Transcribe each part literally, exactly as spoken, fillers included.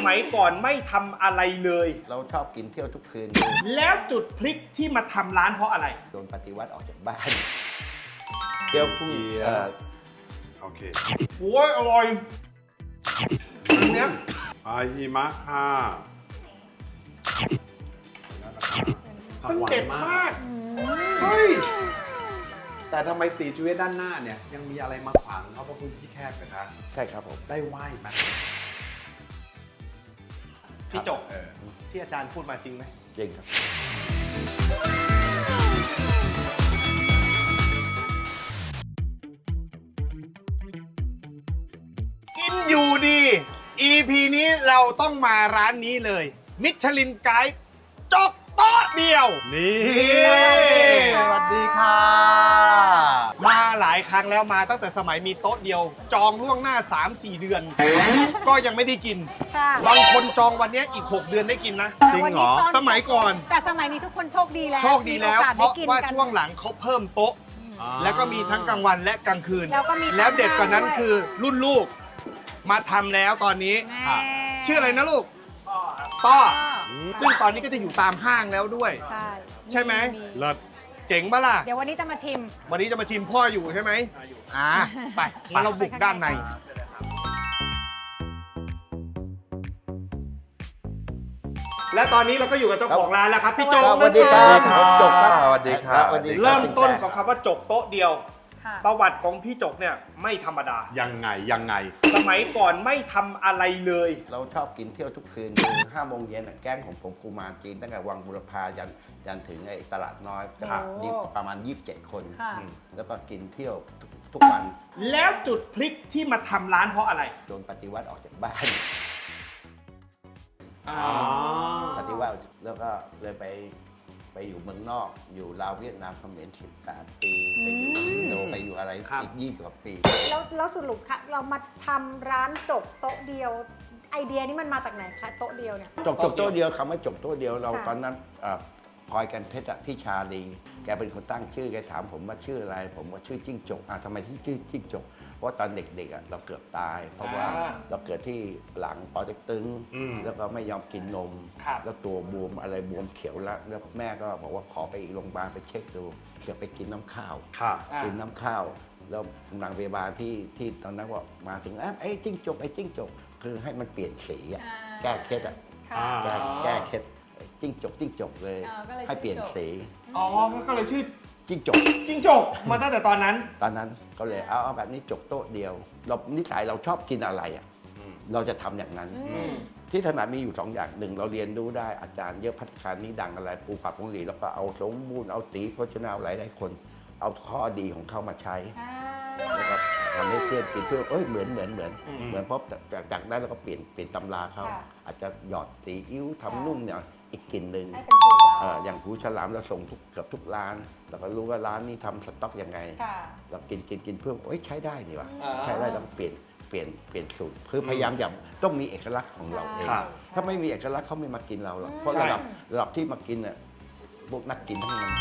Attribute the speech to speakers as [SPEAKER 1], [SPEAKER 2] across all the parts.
[SPEAKER 1] มัยก่อนไม่ทำอะไรเลย
[SPEAKER 2] เราชอบกินเที่ยวทุกคืน
[SPEAKER 1] แล้วจุดพลิกที่มาทำร้านเพราะอะไร
[SPEAKER 2] โดนปฏิวัติออกจากบ้านเที่ยวพุ่งเอ่อ
[SPEAKER 3] โอเค
[SPEAKER 1] โอ้ยอร่อยอันเนี้ย
[SPEAKER 3] อาฮิมะค่ะ
[SPEAKER 1] มันเด็ดมาก
[SPEAKER 3] เฮ้ย แต่ทำไมตีชีวิตด้านหน้าเนี่ย ยังมีอะไรมาขวางเขาเพราะพื้นที่แคบนะคะ
[SPEAKER 2] ใช่ครับผม
[SPEAKER 3] ได้ไหวไหม
[SPEAKER 1] พี่จก
[SPEAKER 3] เออ
[SPEAKER 1] ที่อาจารย์พูดมาจริงไหม
[SPEAKER 2] จริงครับ
[SPEAKER 1] กินอยู่ดี อี พี นี้เราต้องมาร้านนี้เลย มิชลินไกด์จกโต๊ะเดียว
[SPEAKER 3] นี่
[SPEAKER 1] สวัสดีค่ะ มาหลายครั้งแล้วมาตั้งแต่สมัยมีโต๊ะเดียว จองล่วงหน้า สามสี่ เดือน ก็ยังไม่ได้กิน
[SPEAKER 4] ค่ะ
[SPEAKER 1] บางคนจองวันนี้อีก หก เดือนได้กินนะ
[SPEAKER 3] จริงเหรอ
[SPEAKER 4] แต่วันนี้ตน
[SPEAKER 1] สมัยก่อน
[SPEAKER 4] แต่สมัยนี้ทุกคนโชคดีแล้ว
[SPEAKER 1] โชคดีแล้ว
[SPEAKER 4] มีโอกส
[SPEAKER 1] เพราะ
[SPEAKER 4] ได้กิน
[SPEAKER 1] ว่า
[SPEAKER 4] กัน
[SPEAKER 1] ช่วงหลังเขาเพิ่มโต๊ะ แล้วก็มีทั้งกลางวันและกลางคืน
[SPEAKER 4] แล้วก็มี
[SPEAKER 1] แล้วเด็ดกว่านั้น
[SPEAKER 4] ด้วย
[SPEAKER 1] คือรุ่นลูก มาทำแล้วตอนนี้
[SPEAKER 4] แม่
[SPEAKER 1] ชื่ออะไรนะลูกต้อซึ่งตอนนี้ก็จะอยู่ตามห้างแล้วด้วย
[SPEAKER 4] ใช่
[SPEAKER 1] ใช่ไหม
[SPEAKER 3] เลิศ
[SPEAKER 1] เจ๋งปะล่ะ
[SPEAKER 4] เดี๋ยววันนี้จะมาชิม
[SPEAKER 1] วันนี้จะมาชิมพ่ออยู่ใช่ไหมอ่าไปงั้นเราบุกด้านใน และตอนนี้เราก็อยู่กับเจ้าของร้านแล้วครับพี่โจ
[SPEAKER 2] สวัสดีครับ
[SPEAKER 1] นะ
[SPEAKER 2] ผมจบครับ
[SPEAKER 3] สวัสดีครับ
[SPEAKER 2] สวัสดีคบ
[SPEAKER 1] เริ่มต้นกับคำว่าจกโต๊ะเดียว
[SPEAKER 4] ค่ะ
[SPEAKER 1] ประวัติของพี่จกเนี่ยไม่ธรรมดา
[SPEAKER 3] ยังไง ยังไง
[SPEAKER 1] สมัยก่อนไม่ทำอะไรเลย
[SPEAKER 2] เราชอบกินเที่ยวทุกคืนห้าโมงเย็นน่ะแก๊งของผมครูมารจีนตั้งแต่วังบุรพายันยันถึงไอ้ตลาดน้อย
[SPEAKER 4] ค่ะ
[SPEAKER 2] ยี่ประมาณ ยี่สิบเจ็ด คน
[SPEAKER 4] ค่ะ
[SPEAKER 2] แล้วก็กินเที่ยวทุกทุกวัน
[SPEAKER 1] แล้วจุดพลิกที่มาทำร้านเพราะอะไร
[SPEAKER 2] โดนปฏิวัติออกจากบ้าน
[SPEAKER 3] อ๋อ
[SPEAKER 2] ปฏิวัติแล้วก็เลยไปไปอยู่เมืองนอก อยู่ลาวเวียดนามเขมรสิบแปด ปี ไปอยู่อินโดไปอยู่อะไรอีกยี่สิบกว่าปี
[SPEAKER 4] แล้วแล้วสรุปค่ะเรามาทำร้านจกโต๊ะเดียว ไอเดียนี้มันมาจากไหนคะโต๊ะเดียวเนี่ย
[SPEAKER 2] จบจบโต๊ะเดียวคำว่าจบโต๊ะเดียวเรา
[SPEAKER 4] ค่ะ
[SPEAKER 2] ตอนนั้นเอ่อพลอยกันเพชรอะพี่ชาลีแกเป็นคนตั้งชื่อแกถามผมว่าชื่ออะไร ผมว่าชื่อจิ้งจกอ่ะทำไมที่ชื่อจิ้งจกเพราะตอนเด็กๆอะเราเกือบตาย เพราะว่า
[SPEAKER 1] อ่า
[SPEAKER 2] เราเกิดที่หลังปอเต็กตึง
[SPEAKER 3] อืม
[SPEAKER 2] แล้วก็ไม่ยอมกินนม
[SPEAKER 1] ครับ
[SPEAKER 2] แล้วตัวบวมอะไรบวมเขียวแล้วแล้วแม่ก็บอกว่าขอไปอีกโรงพยาบาลไปเช็คดูเสือกไปกินน้ำข้าว
[SPEAKER 3] ค่ะ
[SPEAKER 1] อ่ะ
[SPEAKER 2] กินน้ำข้าว แล้วนางพยาบาลที่ที่ตอนนั้นว่ามาถึงอ่ะไอ้จิ้งจกไอ้จิ้งจกคือให้มันเปลี่ยนสีอะ
[SPEAKER 4] อ่า
[SPEAKER 2] แก้เคล็ดอะ
[SPEAKER 4] ค่ะ
[SPEAKER 3] อ่า
[SPEAKER 2] แก้แก้เคล็ดจิ้งจกจิ้งจกเลย
[SPEAKER 4] อ่าก็เลย
[SPEAKER 2] ให้เปลี่ยน
[SPEAKER 4] จิ้งจก
[SPEAKER 2] สี
[SPEAKER 1] อ๋อก็เลยชื่อ
[SPEAKER 2] จิ้งจก
[SPEAKER 1] จิ้งจกมาตั้งแต่ตอนนั้น
[SPEAKER 2] ตอนนั้นก็เลยเอาเอาแบบนี้จกโต๊ะเดียวเรานิสัยเราชอบกินอะไรอ่ะ
[SPEAKER 3] อืม
[SPEAKER 2] เราจะทำอย่างนั้น
[SPEAKER 4] อืม
[SPEAKER 2] ที่ถนัดมีอยู่สองอย่างหนึ่งเราเรียนรู้ได้อาจารย์เยอะพัฒคารนี้ดังอะไรปูปักของหลีแล้วก็เอาสมบูรณ์เอาตีโภชนาหลายหลายคน เอาข้อดีของเขามาใช้
[SPEAKER 4] อ่า
[SPEAKER 2] แล้วก็ทำให้เพื่อนกินเพื่อนเอ้ยเหมือนเหมือนเหมือน
[SPEAKER 1] อืม
[SPEAKER 2] เหมือนเพราะจากจากจากนั้นเราก็เปลี่ยนเปลี่ยนตำราเขา
[SPEAKER 4] ค่ะ
[SPEAKER 2] อาจจะหยอดซีอิ๊วทำนุ่มเนี่ยอีกกลิ่นหนึ่ง
[SPEAKER 4] ให้เป็นสูตรเรา
[SPEAKER 2] เอ่ออย่างหูฉลามเราส่งทุกเกือบทุกร้านเราก็รู้ว่าร้านนี้ทำสต็อกยังไง
[SPEAKER 4] ค่ะ
[SPEAKER 2] เรากินกินกินเพื่อโอ้ยใช้ได้นี่วะ
[SPEAKER 1] อ่า
[SPEAKER 2] ใช้ได้เราเปลี่ยนเปลี่ยนเปลี่ยนสูตรคือพยายามอย่าต้องมีเอกลักษณ์ของเราเอง
[SPEAKER 4] ใช่
[SPEAKER 2] ถ้าไม่มีเอกลักษณ์เขาไม่มากินเราหรอก
[SPEAKER 4] อืม
[SPEAKER 2] เพราะระดับระดับที่มากินเนี่ยพวกนักกินทั้งนั้น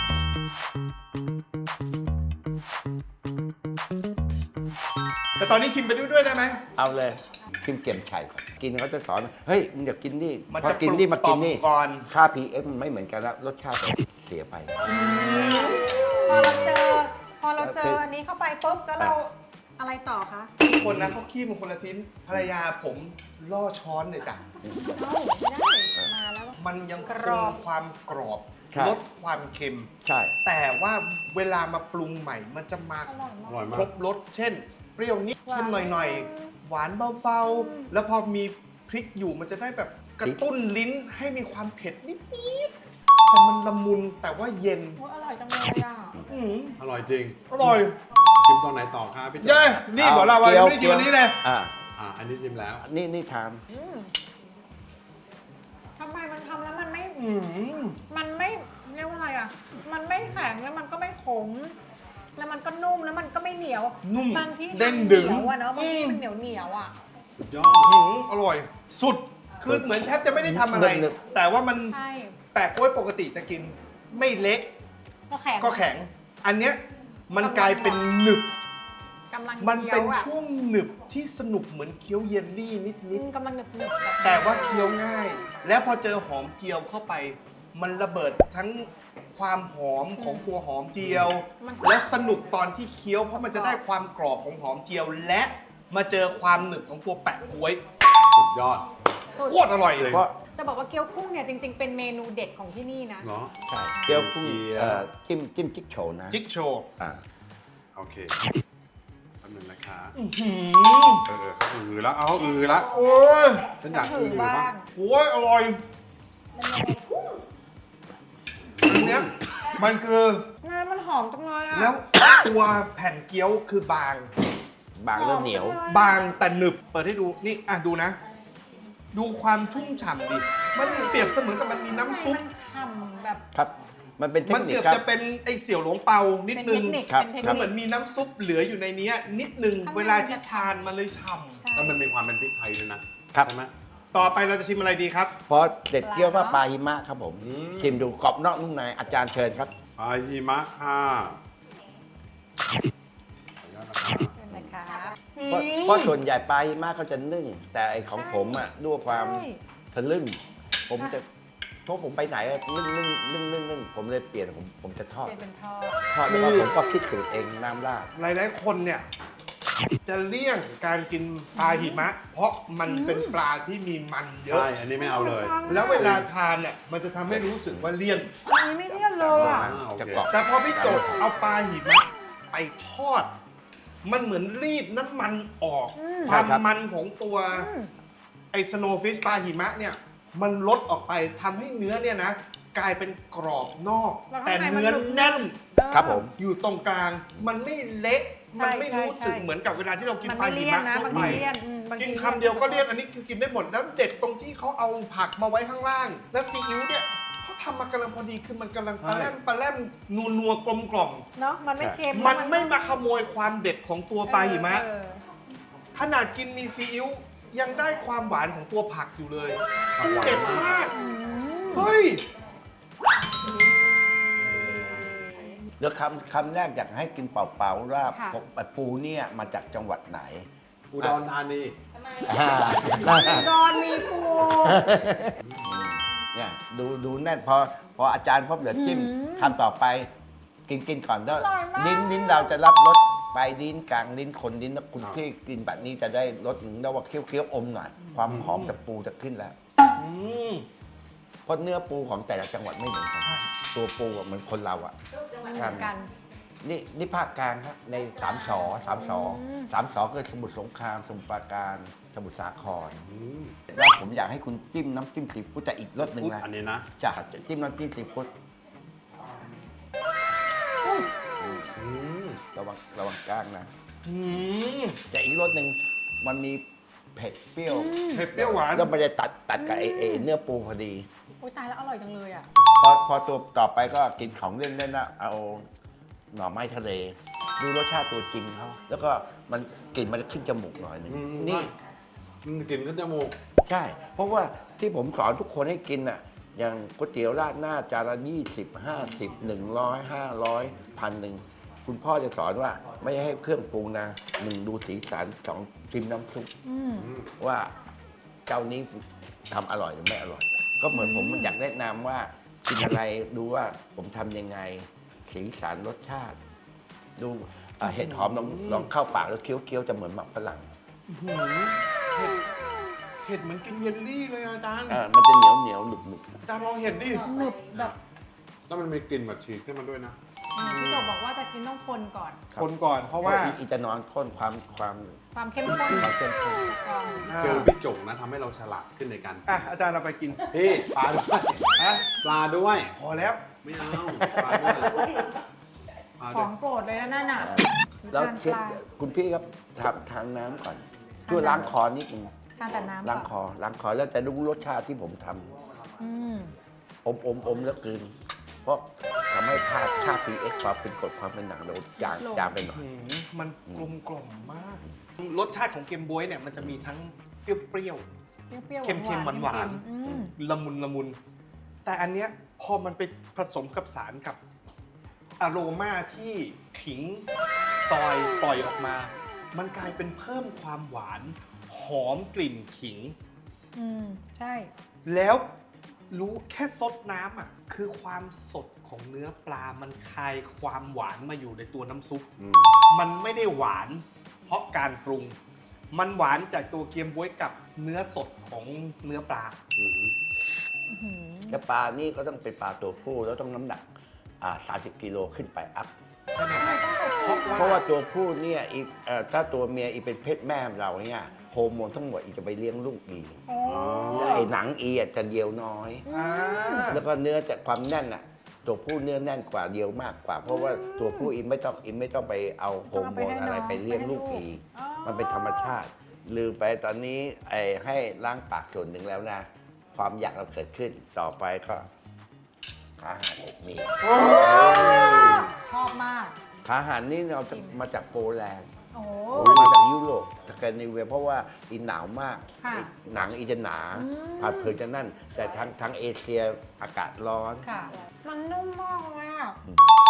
[SPEAKER 1] แต่ตอนนี้ชิมไปด้วยด้วยได้ไหม
[SPEAKER 2] เอาเลยชิมเก็มไข่ก่อนกินเขาจะสอนเฮ้ยมึงอย่ากินนี่
[SPEAKER 1] มัน
[SPEAKER 2] พอ
[SPEAKER 1] จะ
[SPEAKER 2] กินนี่มากินนี่
[SPEAKER 1] ปลุกต่อมก่อน
[SPEAKER 2] ค่า พี เอ็ม มันไม่เหมือนกันแล้วรสชาติเสียไป
[SPEAKER 4] พอเราเจอ พอเราเจ
[SPEAKER 2] คือ อ
[SPEAKER 4] อันนี้เข้าไปปุ๊บแล้วเราอะไรต่อคะ
[SPEAKER 1] ทุกคนนะเขาขี้มันคนละชิ้น ภรรยาผมล่อช้อนเลยจ้ะ
[SPEAKER 4] เอ้าไม่ได้มาแล้ว
[SPEAKER 1] มันยังค
[SPEAKER 4] กรอง บ
[SPEAKER 1] ความกรอบ
[SPEAKER 2] ครับ
[SPEAKER 1] ลดความเค็ม
[SPEAKER 2] ใช่
[SPEAKER 1] แต่ว่าเวลามาปรุงใหม่ มันจะมา
[SPEAKER 4] อร่อยมา
[SPEAKER 3] อก ร่อยมา
[SPEAKER 1] คร
[SPEAKER 3] ก
[SPEAKER 1] บรสเช่น เปรี้ยวนิด
[SPEAKER 4] หวาน
[SPEAKER 1] เค็มหน่อยๆ หวานเบาๆ แล้วพอมีพริกอยู่มันจะได้แบบกระตุ้นลิ้นให้มีความเผ็ดนิดๆแต่มันละมุนแต่ว่าเย็น
[SPEAKER 4] โอ้ยอร่อยจังเลยอ่ะ
[SPEAKER 1] อืม
[SPEAKER 3] อร่อยจริง
[SPEAKER 1] อร่อย
[SPEAKER 3] ชิมตอนไหนต่อครับพี่โจ
[SPEAKER 1] เย้นี่บอกเราว่า
[SPEAKER 2] เกี๊ยว
[SPEAKER 1] ไม่ได้กินวันนี้เลย
[SPEAKER 2] อ่า
[SPEAKER 3] อ่า อันนี้ชิมแล้ว
[SPEAKER 2] นี่นี่ทาน
[SPEAKER 4] อืมทำไมมันทำแล้วมันไม่
[SPEAKER 1] อืม
[SPEAKER 4] มันไม่เรียกว่าอะไรอ่ะ มันไม่แข็งแล้วมันก็ไม่ขม แล้วมันก็นุ่มแล้วมันก็ไม่เหนียว
[SPEAKER 1] นุ่ม
[SPEAKER 4] บางที่
[SPEAKER 1] เด้ง
[SPEAKER 4] มันเห
[SPEAKER 1] ดึง
[SPEAKER 4] นียวอะเนาะบางที่
[SPEAKER 1] อืม
[SPEAKER 4] มันเหนียวเหนียวๆอะ
[SPEAKER 3] สุดยอ
[SPEAKER 1] อื
[SPEAKER 3] ด
[SPEAKER 1] มอร่อย สุด คือเหมือนแทบจะไม่ได้ทำอะไร
[SPEAKER 2] หนึบ
[SPEAKER 1] แต่ว่ามัน
[SPEAKER 4] ใช่
[SPEAKER 1] แปลกกล้วยปกติจะกิน ไม่เละ
[SPEAKER 4] ก็แข็ง
[SPEAKER 1] ก็แข็ง อันเนี้ยมันกลายเป็นหนึบ
[SPEAKER 4] กำลัง
[SPEAKER 1] มัน
[SPEAKER 4] เคี้ย
[SPEAKER 1] เป็น
[SPEAKER 4] วอ่ะ
[SPEAKER 1] ช่วงหนึบที่สนุกเหมือนเคี้ยวเยลลี่นิด
[SPEAKER 4] อืมกำลังหนึบหนึบแบบ
[SPEAKER 1] ๆแต่ว่าเคี้ยวง่าย แล้วพอเจอหอมเจียวเข้าไป มันระเบิดทั้งความหอมของตัวหอมเจียว และสนุกตอนที่เคี้ยวเพราะมันจะได้ความกรอบของหอมเจียว และมาเจอความหนึบของตัวแปะก๊วย
[SPEAKER 3] สุดยอด
[SPEAKER 4] สุด
[SPEAKER 1] โคตรอร่อยเลย
[SPEAKER 2] เพราะ
[SPEAKER 4] จะบอกว่าเกี๊ยวกุ้งเนี่ยจริง ๆ เป็นเมนูเด็ดของที่นี่นะ
[SPEAKER 3] เนาะ
[SPEAKER 2] ใช่เกี๊ยวกุ้ง
[SPEAKER 3] เกี๊ยว
[SPEAKER 2] เอ่อจิ้มจิ้มจิ๊กโฉวนะ
[SPEAKER 1] จิ๊กโชว์
[SPEAKER 2] อ่า
[SPEAKER 3] โอเคแป๊บนึงนะคะ
[SPEAKER 1] อื้อหือ
[SPEAKER 3] เออเขาอือแล้วเอาอือแล้ว
[SPEAKER 1] โอ้ย
[SPEAKER 3] ฉันอยาก
[SPEAKER 4] ถื
[SPEAKER 3] อื
[SPEAKER 4] อ
[SPEAKER 3] อ
[SPEAKER 4] บ้า
[SPEAKER 3] บ้าง
[SPEAKER 4] ง
[SPEAKER 1] โอ้ยอร่อยอันเนี้ยมันคือ
[SPEAKER 4] งานมันหอมจังเลยอ่ะ
[SPEAKER 1] แล้ว ตัวแผ่นเกี๊ยวคือบาง
[SPEAKER 2] บางแล้วเหนียว
[SPEAKER 1] บางแต่หนึบ เปิดให้ดู นี่อ่ะดูนะ ดูความชุ่มฉ่ำดิ มันเปรียบเสมือนกับมันมีน้ำซุป
[SPEAKER 4] มันฉ่ำแบบ
[SPEAKER 2] ครับ มันเป็นเท
[SPEAKER 1] มั
[SPEAKER 2] คน นิค
[SPEAKER 1] เกือบ
[SPEAKER 2] ครับ
[SPEAKER 1] จะเป็นไอเสี่ยวหลวงเปานิด
[SPEAKER 4] เป็น
[SPEAKER 1] นึ
[SPEAKER 4] เท
[SPEAKER 1] ง
[SPEAKER 4] คนิค
[SPEAKER 2] ครับ
[SPEAKER 4] เป็นเทค
[SPEAKER 1] มัน
[SPEAKER 4] นิ
[SPEAKER 1] เหมื
[SPEAKER 4] ค
[SPEAKER 1] อนมีน้ำซุปเหลืออยู่ในเนี้ยนิดนึง
[SPEAKER 4] ข้างใน
[SPEAKER 1] เวลาที่ทานมันเลยฉ่
[SPEAKER 3] แล้วมันมีความเป็นพริกไทยด้วยนะครับ ใช่ไหม
[SPEAKER 1] ำต่อไปเราจะชิมอะไรดีครับ
[SPEAKER 2] เพราะเด็ดเกี๊ยวว่าปลาหิมะครับผม
[SPEAKER 3] อืม
[SPEAKER 2] ชิมดูกรอบนอกนุ่มในอาจารย์เชิญครับ
[SPEAKER 3] ปลาหิมะค่ะขออนุญาตนะคะ
[SPEAKER 4] เป็นไหมคะ
[SPEAKER 2] เพราะเพราะส่วนใหญ่ปลาหิมะเขาจะนึ่ง แต่ไอของผมอ่ะด้วยความ
[SPEAKER 4] ใช่
[SPEAKER 2] ทะลึ่ง ผมจะเพราะผมไปไหนอะนึ่งนึ่งนึ่งนึ่งนึ่งผมเลยเปลี่ยนผมผมจะทอด
[SPEAKER 4] เป็นเป็นทอด
[SPEAKER 2] ทอดแล้วก็ผมก็คิดสูตรเองน้ำราด
[SPEAKER 1] หลายๆคนเนี่ย จะเลี่ยงการกินปลาหิมะ เพราะมันเป็นปลาที่มีมันเยอะ
[SPEAKER 3] ใช่ อันนี้ไม่เอาเลย
[SPEAKER 1] แล้วเวลาทานเนี่ยมันจะทำให้รู้สึกว่าเลี่ยน
[SPEAKER 4] อันนี้ไม่เลี่ยนเลยอ่ะ
[SPEAKER 3] อ่าโอเค
[SPEAKER 2] จะกรอบ
[SPEAKER 1] แต่พอพี่โจทย์เอาปลาหิมะไปทอด มันเหมือนรีดน้ำมันออก
[SPEAKER 4] อืม
[SPEAKER 1] ความ
[SPEAKER 2] ใช่ครับ
[SPEAKER 1] มันของตัว
[SPEAKER 4] อืม
[SPEAKER 1] ไอสโนว์ฟิชปลาหิมะเนี่ย มันลดออกไปทำให้เนื้อเนี่ยนะ กลายเป็นกรอบนอก
[SPEAKER 4] แล้วข้า
[SPEAKER 1] แต่
[SPEAKER 4] งในมัน
[SPEAKER 1] เนื้อ
[SPEAKER 4] หนึบ
[SPEAKER 1] แน่น
[SPEAKER 2] ครับผม
[SPEAKER 1] อยู่ตรงกลาง มันไม่เละ
[SPEAKER 4] ใช่
[SPEAKER 1] มันไม่รู้สึก
[SPEAKER 4] ใช่
[SPEAKER 1] เหมือนกับเวลาที่เรากิน
[SPEAKER 4] มัน
[SPEAKER 1] ปลา
[SPEAKER 4] ไม่
[SPEAKER 1] หิ
[SPEAKER 4] เลี่ยน
[SPEAKER 1] มะ
[SPEAKER 4] นะ
[SPEAKER 1] ทั่ว
[SPEAKER 4] บาง
[SPEAKER 1] ไป
[SPEAKER 4] ทีเลี่ยนอืมบางที
[SPEAKER 1] กินคำเดียวก็เลี่ยนอันนี้คือกินได้หมดแล้วเด็ดตรงที่เขาเอาผักมาไว้ข้างล่าง แล้วซีอิ๊วเนี่ยเขาทำมากำลังพอดีคือมันกำลังปลาแรมปลาแรมนัวนัวๆกลมกล่อม
[SPEAKER 4] เนาะมันไม่เค็ม
[SPEAKER 1] มันไม่มาขโมยความเด็ดของตัวปลาหิมะ
[SPEAKER 4] เออ
[SPEAKER 1] ขนาดกินมีซีอิ๊วยังได้ความหวานของตัวผักอยู่เลย
[SPEAKER 3] ผักหวาน
[SPEAKER 1] เด็ดมาก
[SPEAKER 4] อืม
[SPEAKER 1] เฮ้ย
[SPEAKER 2] เดี๋ยวคำคำแรกอยากให้กินเปล่าๆว่า
[SPEAKER 4] ค่ะ
[SPEAKER 2] ปูเนี่ยมาจากจังหวัดไหน
[SPEAKER 3] อุดรธานี
[SPEAKER 2] อ่า
[SPEAKER 4] ดอนมีปู
[SPEAKER 2] เนี่ยดูดูแน่นพอพออาจารย์พบเดี๋ยวจิ้ม
[SPEAKER 4] อืม
[SPEAKER 2] คำต่อไป กินกินก่อนแล้ว
[SPEAKER 4] อร่อยมาก
[SPEAKER 2] ลิ้นลิ้นเราจะรับรสปลายลิ้นกลางลิ้นคนลิ้นแล้วคุณพี่กินแบบนี้จะได้รสหนึ่งแล้วว่าเคี้ยวเคี้ยวๆอมหน่อยความหอมจากปูจะขึ้นแล้ว
[SPEAKER 1] อืม
[SPEAKER 2] เพราะเนื้อปูของแต่ละจังหวัดไม่เหมือนกันตัวปูอะเหมือนคนเราอ่ะ
[SPEAKER 4] มันเหมือนกัน
[SPEAKER 2] นี่นี่ภาคกลางครับในสามสอสามสอ
[SPEAKER 4] อืม
[SPEAKER 2] สามสอคือสมุทรสงครามสมุทรปราการสมุทรสาคร
[SPEAKER 3] อืม
[SPEAKER 2] แล้วผมอยากให้คุณจิ้มน้ำจิ้มซีฟู้ดแต่อีกรสหนึ่ง
[SPEAKER 3] ฟุต
[SPEAKER 2] นะ
[SPEAKER 3] อันนี้นะ
[SPEAKER 2] จะจิ้มน้ำจิ้มซีฟู้ด
[SPEAKER 3] อืม
[SPEAKER 2] ระวังระวังกล้างนะ
[SPEAKER 1] อืม
[SPEAKER 2] แต่อีกรสหนึ่งมันมีเผ็ดเปรี้ยว
[SPEAKER 1] เผ็ดเปรี้ยวหวาน
[SPEAKER 2] แล้วมันจะตัดตัดกับไอ้ไอ้เนื้อปูพอดี
[SPEAKER 4] อุ้ยตายแล้วอร่อยจังเลยอ่ะ
[SPEAKER 2] พอพอตัวต่อไปก็กินของเล่นๆนะเอาหน่อไม้ทะเล ดูรสชาติตัวจริงเขาแล้วก็มันกลิ่นมันจะขึ้นจมูกหน่อยหนึง
[SPEAKER 3] อืม
[SPEAKER 2] นี่
[SPEAKER 3] อืมกลิ่นขึ้นจมูก
[SPEAKER 2] ใช่ เพราะว่าที่ผมสอนทุกคนให้กินอ่ะ อย่างก๋วยเตี๋ยวราดหน้าจานละยี่สิบห้าสิบหนึ่งร้อยห้าร้อยพันหนึ่งคุณพ่อจะสอนว่าไม่ให้เครื่องปรุงนะหนึ่งดูสีสันสองชิมน้ำซุป
[SPEAKER 4] อืม
[SPEAKER 2] ว่าเจ้านี้ทำอร่อยหรือไม่อร่อย ก็เหมือนผมอยากแนะนำว่ากินอะไรดูว่าผมทำยังไง สีสันรสชาติ ดูอ่ะเห็ดหอมลองลองเข้าปากแล้วเคี้ยวๆจะเหมือนหมักฝรั่ง
[SPEAKER 1] หืมเผ็ดเผ็ดเหมือนกินเยลลี่เลยอาจารย์
[SPEAKER 2] อ่ามันจะเหนียวเหนียวหนึบหนึบ
[SPEAKER 1] อาจารย์ลองเห็นดิ
[SPEAKER 4] หนึบแบบ
[SPEAKER 3] แล้วมันมีกลิ่นแบบฉีกขึ้นมาด้วยนะ
[SPEAKER 4] พี่โจบอกว่าจะกินต้องคนก่อน
[SPEAKER 1] คนก่อนเพราะว่า
[SPEAKER 2] อีอีจะนอนข้นความความ
[SPEAKER 4] ความเข้มข้น
[SPEAKER 2] ความเข้มข้น
[SPEAKER 4] ก่อน
[SPEAKER 3] เจอพี่จงนะทำให้เราฉลาดขึ้นในการ
[SPEAKER 1] อ่ะอาจารย์เราไปกิน
[SPEAKER 3] พี่ปลาด้วย
[SPEAKER 1] ฮะ
[SPEAKER 3] ปลาด้วย
[SPEAKER 1] พอแล้ว
[SPEAKER 3] ไม่เอาปลาด้วยปลา
[SPEAKER 4] ข
[SPEAKER 3] ด้
[SPEAKER 4] อ
[SPEAKER 3] วย
[SPEAKER 4] งโปรดเลยนะนั่นน่ะ
[SPEAKER 2] แล้ว
[SPEAKER 4] ทาน
[SPEAKER 2] เช็ด
[SPEAKER 4] ปลา
[SPEAKER 2] คุณพี่ครับทำทานน้ำก่อนช่วยล้างคอนิดนึง
[SPEAKER 4] ทานแต่น้ำ
[SPEAKER 2] ล้างค
[SPEAKER 4] ก่อน
[SPEAKER 2] อล้างคอแล้วจะรู้รสชาติที่ผมทำ
[SPEAKER 4] อืม
[SPEAKER 2] อมอมอมแล้วกลืนเพราะทำให้ค่าค่า พี เอช ความเป็นกรดความเป็นหนังเราจางจางไปหน่อย
[SPEAKER 1] หืมมันกลมกล่อมมาก รสชาติของเกมบ๊วยเนี่ยมันจะมีทั้งเปรี้ยว
[SPEAKER 4] เปรี้ยวๆ
[SPEAKER 1] เค็มๆหวานๆ
[SPEAKER 4] เค็มๆอืม
[SPEAKER 1] ๆละมุนละมุน แต่อันเนี้ยพอมันไปผสมกับสารกับอโรมาที่ขิงซอยปล่อยออกมามันกลายเป็นเพิ่มความหวานหอมกลิ่นขิง
[SPEAKER 4] อืม ใช่
[SPEAKER 1] แล้วรู้แค่ซดน้ำอ่ะคือความสดของเนื้อปลามันคายความหวานมาอยู่ในตัวน้ำซุป
[SPEAKER 2] อืม
[SPEAKER 1] มันไม่ได้หวานเพราะการปรุง มันหวานจากตัวเกี๊ยมบ๊วยกับเนื้อสดของเนื้อปลา
[SPEAKER 3] อืม
[SPEAKER 4] อื้อหือ
[SPEAKER 2] แต่ปลานี่ก็ต้องเป็นปลาตัวผู้แล้วต้องน้ำหนักอ่าสามสิบกิโลขึ้นไปอัพ
[SPEAKER 1] ใช่ไหมครับเพราะ
[SPEAKER 2] เพราะ
[SPEAKER 1] ว่า
[SPEAKER 2] ว่าตัวผู้เนี่ยอีเอ่อถ้าตัวเมียอีเป็นเพศแม่เราเนี่ยโฮอร์โมนทั้งหมดอีจะไปเลี้ยงลูกอี
[SPEAKER 4] โอ้
[SPEAKER 2] ไอ้หนังอีอ่ะจะเดียวน้อย
[SPEAKER 1] อ่า
[SPEAKER 2] แล้วก็เนื้อจะความแน่นอ่ะตัวผู้เนื้อแน่นกว่าเดียวมากกว่า เพราะว่าตัวผู้อีไม่ต้องอีไม่ต้องไปเอาโฮอร์โมนอะไรไปเลี้ยงลูกอีมันเป็นธรรมชาติ ลืมไปตอนนี้ไอ้ให้ล้างปากส่วนหนึ่งแล้วนะ ความอยากเราเกิดขึ้นต่อไปก็ขาอาหารอบมี
[SPEAKER 4] ชอบมาก
[SPEAKER 2] ขาอาหารนี่เราจะมาจากโปแลนด์
[SPEAKER 4] โอ้
[SPEAKER 2] มาจากยุโรปสแกนดิเนเวียเพราะว่าอีหนาวมาก
[SPEAKER 4] ค่ะ
[SPEAKER 2] อีหนังอีจะหนา
[SPEAKER 4] อืม
[SPEAKER 2] ผัดเผือกจะนั่น แต่ทางทางเอเชียอากาศร้อน
[SPEAKER 4] ค่ะ มันนุ่มมากเลยอ่ะ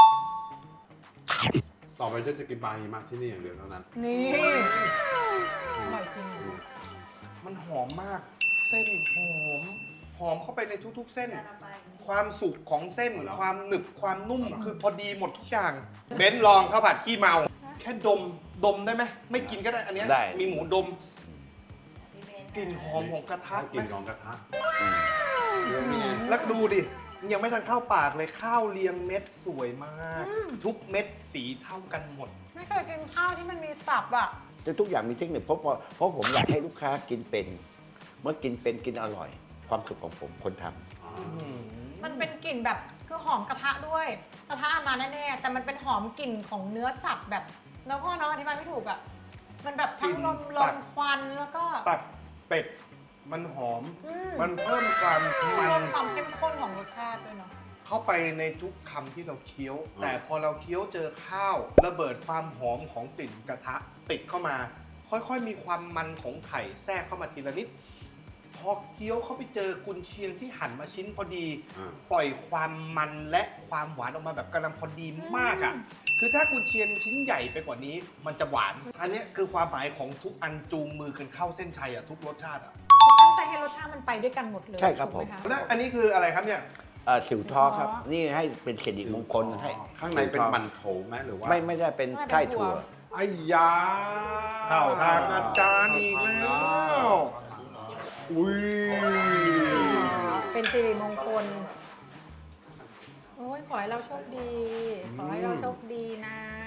[SPEAKER 3] ต่อไปฉันจะกินปลาหิมะที่นี่อย่างเดียวเท่านั้น
[SPEAKER 4] นี่ อร่อยจริง
[SPEAKER 1] มันหอมมาก เส้นหอม หอมเข้าไปในทุกๆ เส้น ความสุกของเส้น
[SPEAKER 3] เอาแล้ว
[SPEAKER 1] ความหนึบ ความนุ่ม คือพอดีหมดทุกอย่าง เบนซ์ลองข้าวผัดขี้เมา แค่ดม ดมได้ไหม ไม่กินก็ได้ อันเนี้ย
[SPEAKER 2] ได้
[SPEAKER 1] มีหมูดม กลิ่นหอมของกระทะ
[SPEAKER 3] ถ้ากิน
[SPEAKER 1] ไหม
[SPEAKER 3] ของกระทะ
[SPEAKER 2] อืม
[SPEAKER 3] เรื่องนี้ไง
[SPEAKER 1] แล้วดูดิ ยังไม่ทันเข้าปากเลย ข้าวเรียงเม็ดสวยมาก ทุกเม็ดสีเท่ากันหมด
[SPEAKER 4] ไม่เคยกินข้าวที่มันมีสับอ่ะ
[SPEAKER 2] แต่ทุกอย่างมีเทคนิคเพราะเพราะเพราะผมอยากให้ลูกค้ากินเป็น เมื่อกินเป็นกินอร่อย ความสุขของผมคนทำ
[SPEAKER 4] มันเป็นกลิ่นแบบคือหอมกระทะด้วย กระทะมาแน่ๆแต่มันเป็นหอมกลิ่นของเนื้อสัตว์แบบแล้วพ่อเนาะอธิบายไม่ถูกอ่ะ มันแบบทั้งลม
[SPEAKER 1] กลิ่น
[SPEAKER 4] ล
[SPEAKER 1] ตั
[SPEAKER 4] ม
[SPEAKER 1] บ
[SPEAKER 4] ควันแล้วก็
[SPEAKER 1] ตับเป็ด มันหอม
[SPEAKER 4] อืม
[SPEAKER 1] มันเพิ่มความ
[SPEAKER 4] เพิ่
[SPEAKER 1] มัน
[SPEAKER 4] มความเข้มข้นของรสชาติด้วยเนาะ
[SPEAKER 1] เข้าไปในทุกคำที่เราเคี้ยว แต่พอเราเคี้ยวเจอข้าว ระเบิดความหอมของกลิ่นกระทะติดเข้ามา ค่อยๆมีความมันของไข่แทรกเข้ามาทีละนิด พอเคี้ยวเข้าไปเจอกุนเชียงที่หั่นมาชิ้นพอดี
[SPEAKER 3] อ่า
[SPEAKER 1] ปล่อยความมันและความหวานออกมาแบบกำลังพอดีมากอ่ะ คือถ้ากุนเชียงชิ้นใหญ่ไปกว่านี้ มันจะหวาน อันเนี้ยคือความหมายของทุกอันจูงมือกันเข้าเส้นชัยอ่ะทุกรสชาติอ่ะ
[SPEAKER 4] ตั้งใจให้รสชาติมันไปด้วยกันหมดเลย
[SPEAKER 2] ใช่ครับ
[SPEAKER 4] ถูกไห
[SPEAKER 2] ผม
[SPEAKER 4] ะ
[SPEAKER 1] แล้วอันนี้คืออะไรครับเนี่ย
[SPEAKER 2] เอ่อสิวท้อครับ
[SPEAKER 4] อ๋อ
[SPEAKER 2] นี่ให้เป็นสิริมงคลให้
[SPEAKER 3] ข้างในเป็น
[SPEAKER 2] สิวท้อ
[SPEAKER 3] มันโถไหมหรือว่า
[SPEAKER 2] ไม่ไม่ได้เป็นไส้ถั่ว
[SPEAKER 3] ไอ้ยา
[SPEAKER 1] เข้าทางอาจารย์อีกแล้ว
[SPEAKER 3] อุ้ย
[SPEAKER 4] เป็นสิริมงคล โอ้ยขอให้เราโชคดี ขอให้เราโชคดีนะ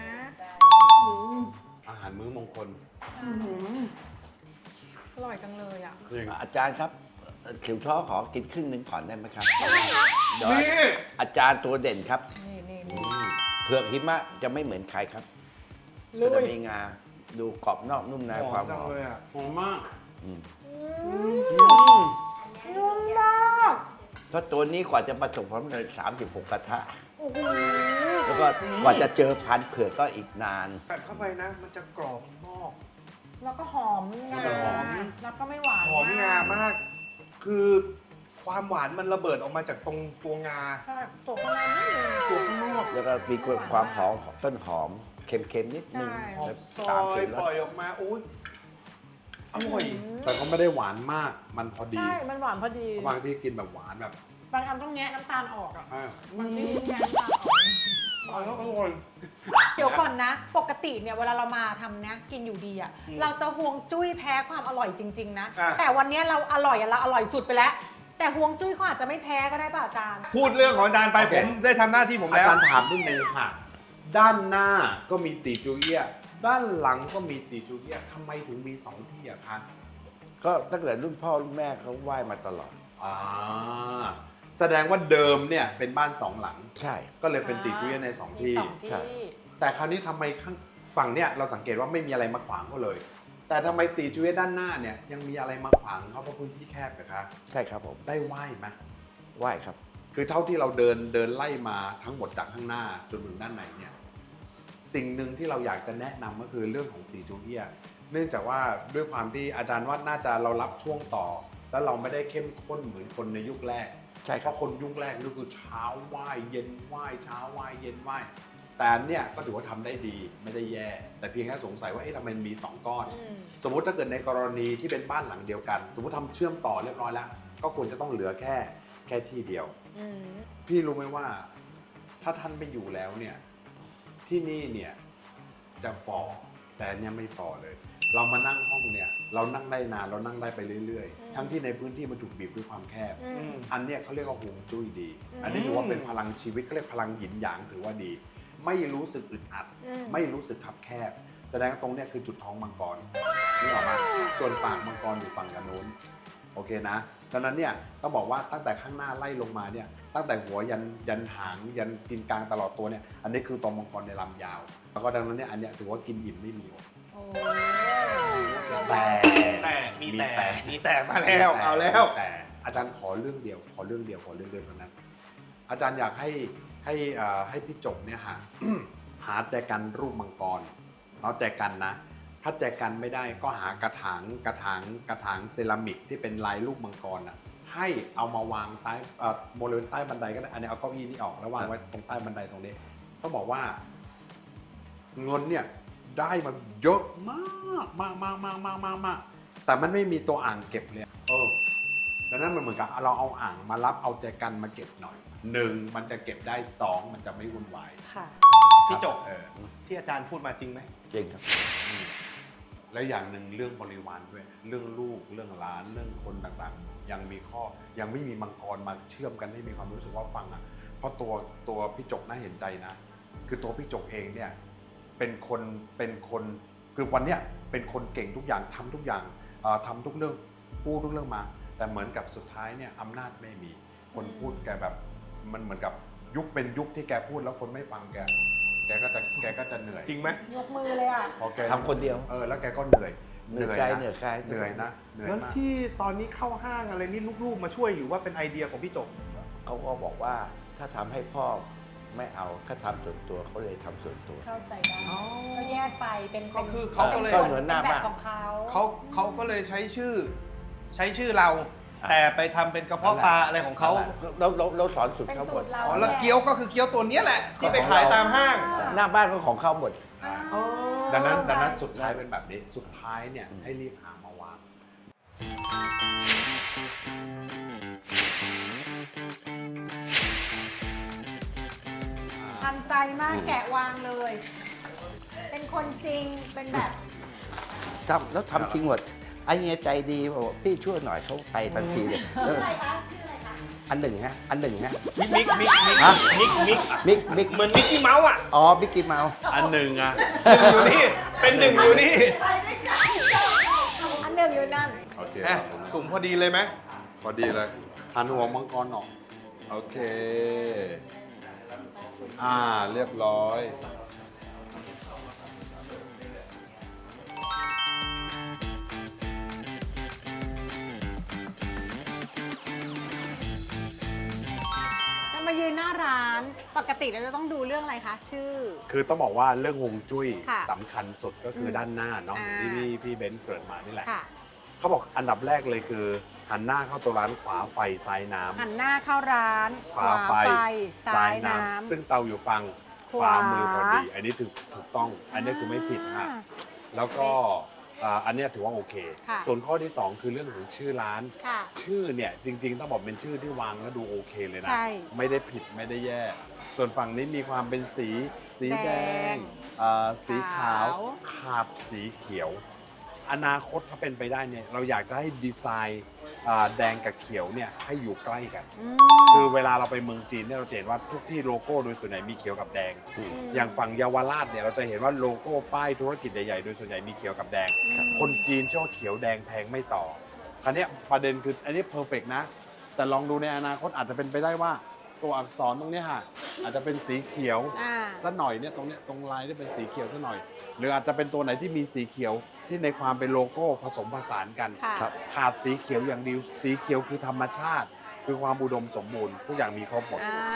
[SPEAKER 3] อาหารมื้อมงคล
[SPEAKER 4] อร่อยจังเลยอ่ะ
[SPEAKER 3] จริง
[SPEAKER 2] อาจารย์ครับสิวท้อขอกินครึ่งหนึ่งก่อนได้ไหมครับเดี๋ยว
[SPEAKER 1] นี่
[SPEAKER 2] อาจารย์ตัวเด่นครับ
[SPEAKER 4] นี่นี่นี่
[SPEAKER 2] เผือกหิมะจะไม่เหมือนใครครับ
[SPEAKER 4] ลุ
[SPEAKER 2] จะ
[SPEAKER 4] ย
[SPEAKER 2] มีงา ดูกรอบนอกนุ่มใน
[SPEAKER 1] หอ
[SPEAKER 2] ความ
[SPEAKER 1] มจั
[SPEAKER 2] ห
[SPEAKER 1] ง
[SPEAKER 2] อม
[SPEAKER 1] เลยอ่ะ
[SPEAKER 3] หอมมาก
[SPEAKER 2] อืม
[SPEAKER 4] นุ่มมาก
[SPEAKER 2] เพราะตัวนี้กว่าจะประสบความสำเร็จสามสิบหกกระทะ
[SPEAKER 4] โอ้โห
[SPEAKER 2] แล้วก็กว่าจะเจอพันธุ์เผือกก็อีกนาน
[SPEAKER 1] กัดเข้าไปนะ มันจะกรอบนอก
[SPEAKER 4] แล้วก็หอมงา
[SPEAKER 3] แล้วก็หอม
[SPEAKER 4] แล้วก็ไม่หวาน
[SPEAKER 1] หอมงามาก คือความหวานมันระเบิดออกมาจากตรงตัวงา
[SPEAKER 4] ใช่ตัวข้างในนี่เลย
[SPEAKER 1] ตัวข้างนอก
[SPEAKER 2] แล้วก็มีความหอมของต้นหอมเค็มๆนิดนึง
[SPEAKER 4] ใช่
[SPEAKER 1] หอม
[SPEAKER 2] แล้ว
[SPEAKER 1] ซ
[SPEAKER 2] ตาม
[SPEAKER 1] อ
[SPEAKER 2] สี
[SPEAKER 1] ย
[SPEAKER 2] ร
[SPEAKER 1] ปล่อ
[SPEAKER 2] ส
[SPEAKER 1] ยออกมาอุ้ยอร่อย
[SPEAKER 3] แต่ก็ไม่ได้หวานมาก มันพอดี
[SPEAKER 4] ใช่ มันหวานพอดี
[SPEAKER 3] บางที่กินแบบหวานแบบ
[SPEAKER 4] บางอันต้องแงะน้ำตาลออกอ่ะ
[SPEAKER 3] อ้าว
[SPEAKER 4] บางที่แงะน้ำตาลออก
[SPEAKER 1] อร่อยแล้วอร่อย
[SPEAKER 4] เดี๋ยวก่อนนะ ปกติเนี่ยเวลาเรามาทำเนี้ยกินอยู่ดีอะ
[SPEAKER 1] อืม
[SPEAKER 4] เราจะห่วงจุ้ยแพ้ความอร่อยจริง ๆ นะ
[SPEAKER 1] อ่ะ
[SPEAKER 4] แต่วันเนี้ยเราอร่อยอะเราอร่อยสุดไปแล้ว แต่ห่วงจุ้ยเขาอาจจะไม่แพ้ก็ได้ป่ะอาจารย์
[SPEAKER 1] พูดเรื่องของอาจารย์ไปผมได้ทำหน้าที่ผม
[SPEAKER 3] อา
[SPEAKER 1] แล้ว
[SPEAKER 3] จารย์ถามนิดนึงค่ะ ด้านหน้าก็มีตีจูเอียะด้านหลังก็มีตีจูเอียะทำไมถึงมีสองที่อะคะ
[SPEAKER 2] ก็ตั้งแต่รุ่นพ่อรุ่นแม่เขาไหว้มาตลอด
[SPEAKER 3] อ่าแสดงว่าเดิมเนี่ยเป็นบ้านสองหลัง
[SPEAKER 2] ใช่
[SPEAKER 3] ก็เลยเป็นตีจูเอียะในสอง
[SPEAKER 4] มี
[SPEAKER 3] ที่
[SPEAKER 4] สองที่
[SPEAKER 2] ใช่
[SPEAKER 3] แต่คราวนี้ทำไมข้างฝั่งเนี่ยเราสังเกตว่าไม่มีอะไรมาขวางเขาเลย แต่ทำไมตีจูเอียะด้านหน้าเนี่ยยังมีอะไรมาขวางเขาเพราะพื้นที่แคบนะคะ
[SPEAKER 2] ใช่ครับผม
[SPEAKER 3] ได้ไหว้ไหม
[SPEAKER 2] ไหว้ครับ
[SPEAKER 3] คือเท่าที่เราเดินเดินไล่มาทั้งหมดจากข้างหน้าจนถึงด้านในเนี่ยสิ่งหนึ่งที่เราอยากจะแนะนำก็คือเรื่องของตีจูเอียะเนื่องจากว่าด้วยความที่อาจารย์ว่าน่าจะเรารับช่วงต่อ แล้วเราไม่ได้เข้มข้นเหมือนคนในยุคแรก
[SPEAKER 2] ใช่
[SPEAKER 3] เพ
[SPEAKER 2] ครับ
[SPEAKER 3] ราะคนยุคแรกนี่คือเช้าไหว้เย็นไหว้เช้าไหว้เย็นไหว้แต่อันเนี่ยก็ถือว่าทำได้ดีไม่ได้แย่ แต่เพียงแค่สงสัยว่าเอ๊ะทำไมมีสองก้อน
[SPEAKER 4] อืม
[SPEAKER 3] สมมุติถ้าเกิดในกรณีที่เป็นบ้านหลังเดียวกัน สมมติทำเชื่อมต่อเรียบร้อยแล้ว ก็ควรจะต้องเหลือแค่แค่ที่เดียว
[SPEAKER 4] อืม
[SPEAKER 3] พี่รู้ไหมว่าถ้าท่านไปอยู่แล้วเนี่ยที่นี่เนี่ยจะฝ่อแต่อันเนี่ยไม่ฝ่อเลย เรามานั่งห้องเนี่ยเรานั่งได้นานเรานั่งได้ไปเรื่อย
[SPEAKER 4] อืม
[SPEAKER 3] ๆ ทั้งที่ในพื้นที่มันถูกบีบด้วยความแคบ
[SPEAKER 4] อืม
[SPEAKER 3] อันเนี้ยเขาเรียกว่าฮวงจุ้ยดี
[SPEAKER 4] อืม
[SPEAKER 3] อันนี้ถือว่าเป็นพลังชีวิตเขาเรียกพลังหยินหยางถือว่าดี ไม่รู้สึกอึดอัด
[SPEAKER 4] อืม
[SPEAKER 3] ไม่รู้สึกคับแคบ แสดงว่าตรงเนี้ยคือจุดท้องมังกรนี่ออกมาส่วนปากมังกรอยู่ฝั่งกันโน้นโอเคนะดังนั้นเนี่ยต้องบอกว่าตั้งแต่ข้างหน้าไล่ลงมาเนี่ยตั้งแต่หัวยันยันหางยันกินกลางตลอดตัวเนี่ยอันนี้คือตัวมังกรในลำยาว แล้วก็ดังนั้นเนี่ยอันเนี้ยถือว่ากินอิ่มไม่มีอด
[SPEAKER 4] โอ้
[SPEAKER 3] แต่
[SPEAKER 1] แต่มีแต่
[SPEAKER 3] แต่
[SPEAKER 1] มีแต่มาแล้วเอาแล้ว
[SPEAKER 3] แต่อาจารย์ขอเรื่องเดียว ขอเรื่องเดียวขอเรื่องเดียวเท่านั้น อาจารย์อยากให้ให้อ่าให้พี่จบเนี่ยหา หาแจกันรูปมังกรเนาะแจกันนะ ถ้าแจกันไม่ได้ก็หากระถางกระถางกระถางเซรามิกที่เป็นลายรูปมังกรอ่ะให้เอามาวางใต้เอ่อบริเวณใต้บันไดก็ได้อันนี้เอาเก้าอี้นี่ออกแล้ววางไว้ตรงใต้บันไดตรงนี้ต้องบอกว่าเงินเนี่ยได้มาเยอะมากมากมากมากมากมากมากแต่มันไม่มีตัวอ่างเก็บเลยเออดังนั้นมันเหมือนกับเราเอาอ่างมารับเอาแจกันมาเก็บหน่อยหนึ่งมันจะเก็บได้สองมันจะไม่วุ่นวาย
[SPEAKER 4] ค่ะ
[SPEAKER 1] พี่จบ
[SPEAKER 3] เออ
[SPEAKER 1] ที่อาจารย์พูดมาจริงไหม
[SPEAKER 2] จริงครับ
[SPEAKER 3] แล้วอย่างหนึ่งเรื่องบริวารด้วย เรื่องลูกเรื่องหลานเรื่องคนต่างๆ ยังมีข้อยังไม่มีมังกรมาเชื่อมกันให้มีความรู้สึกว่าฟังอ่ะเพราะตัวตัวพี่จกน่าเห็นใจนะ คือตัวพี่จกเองเนี่ยเป็นคนเป็นคนคือวันเนี้ยเป็นคนเก่งทุกอย่างทำทุกอย่างเอ่อทำทุกเรื่องพูดทุกเรื่องมา แต่เหมือนกับสุดท้ายเนี่ยอำนาจไม่มีคนพูดแกแบบมันเหมือนกับยุคเป็นยุคที่แกพูดแล้วคนไม่ฟังแกแกก็จะแกก็จะเหนื่อย
[SPEAKER 1] จริงไหม
[SPEAKER 4] ยกมือเลยอ่ะ
[SPEAKER 3] พอแก
[SPEAKER 2] ทำคนเดียว
[SPEAKER 3] เออแล้วแกก็เหนื่อย
[SPEAKER 2] เหนื่อยใจเหนื่อยกาย
[SPEAKER 3] เหนื่อยนะเหนื่อย
[SPEAKER 1] แล้ว
[SPEAKER 3] มาก
[SPEAKER 1] ที่ตอนนี้เข้าห้างอะไรนี่ลูกๆมาช่วยหรือว่าเป็นไอเดียของพี่จบ
[SPEAKER 2] เขาก็บอกว่าถ้าทำให้พ่อไม่เอาถ้าทำส่วนตัวเขาเลยทำส่วนตัว
[SPEAKER 4] เข้าใจได้ก็แยกไปเป็น
[SPEAKER 1] ก็คือเขาก็เลย
[SPEAKER 2] ก็เหมือนหน้าบ้าน
[SPEAKER 4] แบบของเขา
[SPEAKER 1] เขาเขาก็เลยใช้ชื่อ ใช้ชื่อเรา แต่ไปทำเป็นกระเพาะปลาอะไรของเขา
[SPEAKER 2] เราเราเราสอนสุด
[SPEAKER 4] เป็น
[SPEAKER 2] เขาห
[SPEAKER 4] สู
[SPEAKER 2] มด
[SPEAKER 4] ตรเรา
[SPEAKER 1] อ๋อแล้วเกี๊ยวก็คือเกี๊ยวตัวเนี้ยแหละ ที่ไปขายตามห้าง
[SPEAKER 2] หน้าบ้านก็ของเขาหมด
[SPEAKER 1] อ๋อ
[SPEAKER 3] ดังนั้นดังนั้นสุดท้ายเป็นแบบนี้สุดท้ายเนี่ยให้รีบหามาวาง
[SPEAKER 4] ทันใจมากแกะวางเลย เป็นคนจริงเป็นแบบ
[SPEAKER 2] ทำแล้วทำจริงหมดไอ้เงี้ยใจดีบอกว่าพี่ช่วยหน่อยเขาไปทันทีเลย
[SPEAKER 4] ชื่ออะไรคะชื่ออะไรคะ
[SPEAKER 2] อันหนึ่งฮะ อันหนึ่งฮะ
[SPEAKER 1] มิกมิกมิกมิก
[SPEAKER 2] ฮะ
[SPEAKER 1] มิกมิก
[SPEAKER 2] มิกมิก
[SPEAKER 1] เหมือนมิกกี้เมาส์อ่ะ
[SPEAKER 2] อ๋อมิกกี้เมาส์
[SPEAKER 3] อันหนึ่งอ่ะ
[SPEAKER 1] หนึ่งอยู่นี่ เป็นหนึ่งอยู่นี่
[SPEAKER 4] อันหนึ่งอยู่นั่น
[SPEAKER 3] โอเค
[SPEAKER 1] อ่ะสุ่มพอดีเลยไหม
[SPEAKER 3] พอดีเลยหันหัวมังกรออกโอเคอ่าเรียบร้อย
[SPEAKER 4] เรามายืนหน้าร้าน ปกติเราจะต้องดูเรื่องอะไรคะ ชื่อ
[SPEAKER 3] คือต้องบอกว่าเรื่องฮวงจุ้ย
[SPEAKER 4] ค่ะ
[SPEAKER 3] สำคัญสุดก็คืออ
[SPEAKER 4] ม
[SPEAKER 3] ด้านหน้าเนาะ
[SPEAKER 4] อ่า
[SPEAKER 3] ที่พี่พี่เบนซ์เกริดมานี่แหละ
[SPEAKER 4] ค่ะ
[SPEAKER 3] เขาบอกอันดับแรกเลยคือ หันหน้าเข้าตัวร้านขวาไฟซ้ายน้ำ
[SPEAKER 4] หันหน้าเข้าร้าน
[SPEAKER 3] ขวาไฟ
[SPEAKER 4] ซ้ายน้ำ
[SPEAKER 3] ซึ่งเตาอยู่ฝั่งขวามือพอดี อันนี้ถูกถูกต้อง อันนี้คือไม่ผิดฮะ
[SPEAKER 4] อ่า
[SPEAKER 3] แล้วก็อ่าอันเนี้ยถือว่าโอเค
[SPEAKER 4] ค่ะ
[SPEAKER 3] ส่วนข้อที่สองคือเรื่องของชื่อร้าน
[SPEAKER 4] ค่ะ
[SPEAKER 3] ชื่อเนี่ยจริง ๆ ต้องบอกเป็นชื่อที่วางแล้วดูโอเคเลยนะ
[SPEAKER 4] ใช่
[SPEAKER 3] ไม่ได้ผิดไม่ได้แย่ ส่วนฝั่งนี้มีความเป็นสี สีแด
[SPEAKER 4] แด
[SPEAKER 3] ง
[SPEAKER 4] ง
[SPEAKER 3] อ่าสีขาว
[SPEAKER 4] ขาว
[SPEAKER 3] ขาดสีเขียว อนาคตถ้าเป็นไปได้เนี่ยเราอยากจะให้ดีไซน์อ่าแดงกับเขียวเนี่ยให้อยู่ใกล้กัน
[SPEAKER 4] อืม
[SPEAKER 3] คือเวลาเราไปเมืองจีนเนี่ยเราจะเห็นว่าทุกที่โลโก้โดยส่วนใหญ่มีเขียวกับแดง อย่างฝั่งเยาวราชเนี่ยเราจะเห็นว่าโลโก้ป้ายธุรกิจใหญ่ๆโดยส่วนใหญ่มีเขียวกับแดง คนจีนชอบเขียวแดงแพงไม่ต่อ คราวเนี้ยประเด็นคืออันนี้เพอร์เฟกนะ แต่ลองดูในอนาคตอาจจะเป็นไปได้ว่าตัวอักษรตรงเนี้ยฮะอาจจะเป็นสีเขียว
[SPEAKER 4] อ่า
[SPEAKER 3] สักหน่อยเนี่ยตรงเนี้ยตรงลายที่เป็นสีเขียวสักหน่อย หรืออาจจะเป็นตัวไหนที่มีสีเขียวที่ในความเป็นโลโก้ผสมผสานกัน
[SPEAKER 4] ค่ะ
[SPEAKER 2] ครับ
[SPEAKER 3] ขาดสีเขียวอย่างเดียวสีเขียวคือธรรมชาติ คือความอุดมสมบูรณ์ทุกอย่างมีครบหมด
[SPEAKER 4] อ่า
[SPEAKER 3] ด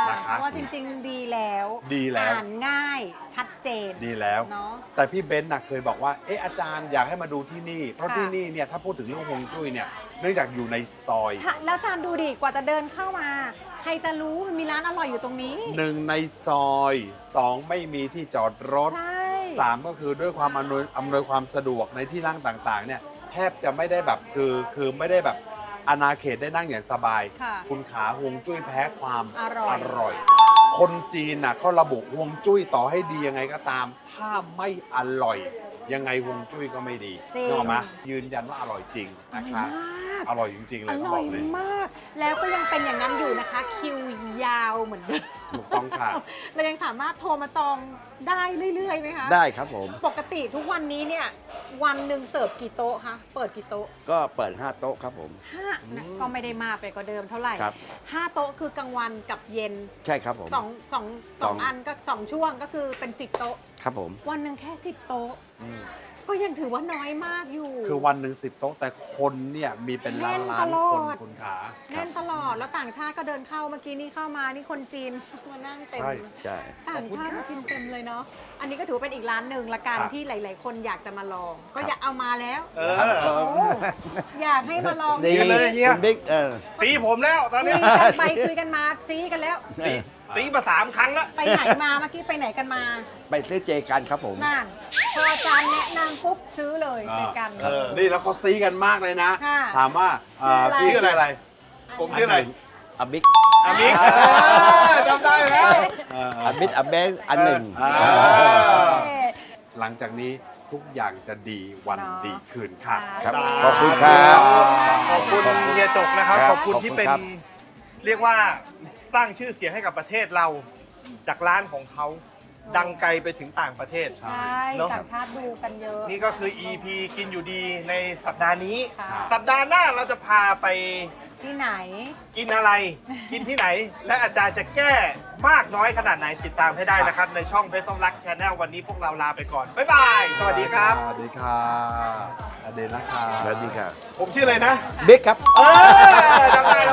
[SPEAKER 3] นะคะ
[SPEAKER 4] เพราะว่าจริงๆดีแล้ว
[SPEAKER 3] ดีแล้ว
[SPEAKER 4] อ่านง่ายชัดเจน
[SPEAKER 3] ดีแล้ว
[SPEAKER 4] เนาะ
[SPEAKER 3] แต่พี่เบนซ์น่ะเคยบอกว่า เอออาจารย์อยากให้มาดูที่นี่ เพราะ
[SPEAKER 4] ค่ะ
[SPEAKER 3] ที่นี่เนี่ยถ้าพูดถึงเรื่องฮวงจุ้ยเนี่ยเนื่องจากอยู่ในซอย
[SPEAKER 4] ใช่แล้วอาจารย์ดูดิกว่าจะเดินเข้ามา ใครจะรู้มันมีร้านอร่อยอยู่ตรงนี้
[SPEAKER 3] หนึ่งในซอยสองไม่มีที่จอดรถ
[SPEAKER 4] ใช่
[SPEAKER 3] สามก็คือด้วยความอำนวยอำนวยความสะดวกในที่นั่งต่างๆเนี่ยแทบจะไม่ได้แบบคือคือไม่ได้แบบอาณาเขตได้นั่งอย่างสบาย
[SPEAKER 4] ค่ะ
[SPEAKER 3] คุณขาฮวงจุ้ยแพ้ความ
[SPEAKER 4] อร่อย
[SPEAKER 3] ร่อย คนจีนน่ะเขาระบุฮวงจุ้ยต่อให้ดียังไงก็ตาม ถ้าไม่อร่อย ยังไงฮวงจุ้ยก็ไม่ดี
[SPEAKER 4] จริง
[SPEAKER 3] นึกออกไหมยืนยันว่าอร่อยจริงนะคะ อร่อยจริงๆเล
[SPEAKER 4] อย
[SPEAKER 3] ต้อง
[SPEAKER 4] ร่
[SPEAKER 3] บ
[SPEAKER 4] อ
[SPEAKER 3] อย กเลย
[SPEAKER 4] มาก แล้วก็ยังเป็นอย่างนั้นอยู่นะคะ คิวยาวเหมือนเดิม
[SPEAKER 3] ถูกต้องค่ะ
[SPEAKER 4] เรายังสามารถโทรมาจองได้เรื่อยๆไหมคะ
[SPEAKER 2] ได้ครับผม
[SPEAKER 4] ปกติทุกวันนี้เนี่ย วันหนึ่งเสิร์ฟกี่โต๊ะคะ เปิดกี่โต๊ะ
[SPEAKER 2] ก็เปิดห้าโต๊ะครับผม
[SPEAKER 4] ห้านะก็ไม่ได้มากไปกว่าเดิมเท่าไหร่
[SPEAKER 2] ครับ
[SPEAKER 4] ห้าโต๊ะคือกลางวันกับเย็น
[SPEAKER 2] ใช่ครับผม
[SPEAKER 4] สองสองสองอันก็สองช่วงก็คือเป็นสิบโต๊ะ
[SPEAKER 2] ครับผม
[SPEAKER 4] วันหนึ่งแค่สิบโต๊ะ
[SPEAKER 2] อืม
[SPEAKER 4] ก็ยังถือว่าน้อยมากอยู่
[SPEAKER 3] คือวันหนึ่งสิบโต๊ะแต่คนเนี่ยมีเป็นล้านล้าน
[SPEAKER 4] แน่นตลอ
[SPEAKER 3] ค
[SPEAKER 4] ด
[SPEAKER 3] นคุณขา
[SPEAKER 4] แน่นตลอดแล้วต่างชาติก็เดินเข้าเมื่อกี้นี่เข้ามานี่คนจีน มานั่งเต็ม
[SPEAKER 3] ใช่
[SPEAKER 2] ใช่
[SPEAKER 4] ต่างชาติมากินเต็มเลยเนาะอันนี้ก็ถือว่าเป็นอีกร้านหนึ่งละกัน
[SPEAKER 3] ครับ
[SPEAKER 4] ที่หลาย ๆ คนอยากจะมาลอง ก็อยากเอามาแล้ว
[SPEAKER 1] เออ
[SPEAKER 4] โอ้อยากให้มาลอง
[SPEAKER 2] ดี
[SPEAKER 1] ยืนเลยเฮีย
[SPEAKER 2] คุณบิ๊กเออ
[SPEAKER 1] สีผมแล้วตอน
[SPEAKER 4] คุ
[SPEAKER 1] นี้
[SPEAKER 4] ยกันไปคุยกันมาซีกันแล้ว
[SPEAKER 1] สีสีมาสามครั้งแล้ว
[SPEAKER 4] ไปไหนมาเมื่อกี้ไปไหนกันมา
[SPEAKER 2] ไปซื้อเจกันครับผม
[SPEAKER 4] นั่นพออาจารย์แนะนำปุ๊บซื้อเลยไปกัน
[SPEAKER 1] เออ
[SPEAKER 3] นี่แล้วเขาซีกันมากเลยนะ
[SPEAKER 4] ค่ะ
[SPEAKER 3] ถามว่า
[SPEAKER 4] ชื่ออะไร
[SPEAKER 3] พี่ชื่ออะไร
[SPEAKER 1] ผมชื่ออะไร
[SPEAKER 2] อบิ๊ก
[SPEAKER 1] อามิกเออจำได้แล้ว
[SPEAKER 3] เออ
[SPEAKER 2] อบิ๊กอเบงอันหนึ่ง
[SPEAKER 3] อ่า
[SPEAKER 4] เอ๊ะ
[SPEAKER 3] หลังจากนี้ทุกอย่างจะดีวัน
[SPEAKER 4] เนาะ
[SPEAKER 3] ดีคืนค่ะ
[SPEAKER 2] ครับ
[SPEAKER 1] สาธุ
[SPEAKER 2] ขอบคุณครับ
[SPEAKER 1] ขอบคุณเฮียจกนะครับ
[SPEAKER 2] ครับ
[SPEAKER 1] ขอบคุณที่เป็น
[SPEAKER 2] ขอบคุณครับ
[SPEAKER 1] เรียกว่าสร้างชื่อเสียงให้กับประเทศเรา จากร้านของเขาดังไกลไปถึงต่างประเทศ
[SPEAKER 4] ใช่
[SPEAKER 1] เนอะ
[SPEAKER 4] ต่างชาติดูกันเยอะ
[SPEAKER 1] นี่ก็คือ อี พี กินอยู่ดีในสัปดาห์นี้
[SPEAKER 4] ค่ะ
[SPEAKER 1] สัปดาห์หน้าเราจะพาไป
[SPEAKER 4] ที่ไหน
[SPEAKER 1] กินอะไร กินที่ไหน และอาจารย์จะแก้มากน้อยขนาดไหนติดตามให้ได้นะครับ ในช่องเพชรสมรักชาแนลวันนี้พวกเราลาไปก่อน บ๊ายบาย สวัสดีครับ
[SPEAKER 3] สวัสดีค่ะอเดนนะคะ
[SPEAKER 2] สวัสดีครับ
[SPEAKER 1] ผมชื่ออะไรนะ
[SPEAKER 2] บิ๊กครับ
[SPEAKER 1] เออจำได้